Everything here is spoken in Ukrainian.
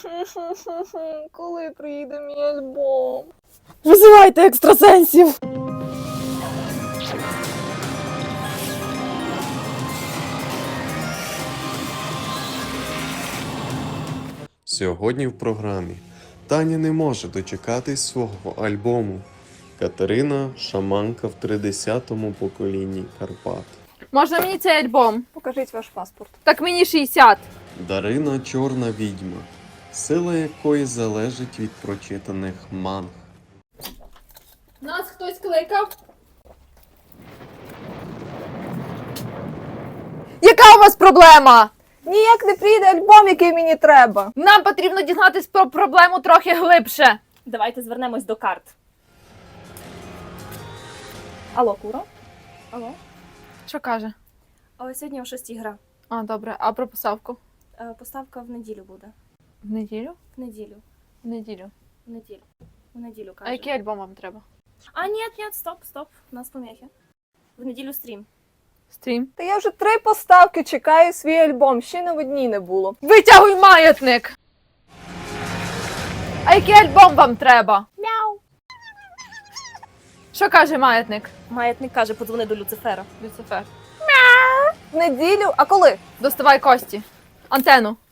Коли приїде мій альбом? Визивайте екстрасенсів! Сьогодні в програмі Таня не може дочекатись свого альбому. Катерина – шаманка в 30-му поколінні Карпат. Можна мені цей альбом? Покажіть ваш паспорт. Так мені 60. Дарина – чорна відьма, сила якої залежить від прочитаних манг. Нас хтось кликав? Яка у вас проблема? Ніяк не прийде альбом, який мені треба. Нам потрібно дізнатись про проблему трохи глибше. Давайте звернемось до карт. Алло, Куро? Алло? Що каже? Сьогодні о 6 гра. А, добре. А про поставку? Поставка в неділю буде. В неділю? В неділю. В неділю. В неділю. В неділю, каже. А який альбом вам треба? Ні, стоп. У нас помехи. В неділю стрім. Стрім? Та я вже 3 поставки чекаю свій альбом, ще на одній не було. Витягуй маятник! А який альбом вам треба? Мяу. Що каже маятник? Маятник каже, подзвони до Люцифера. Люцифер. В неділю? А коли? Доставай кості. Антенну.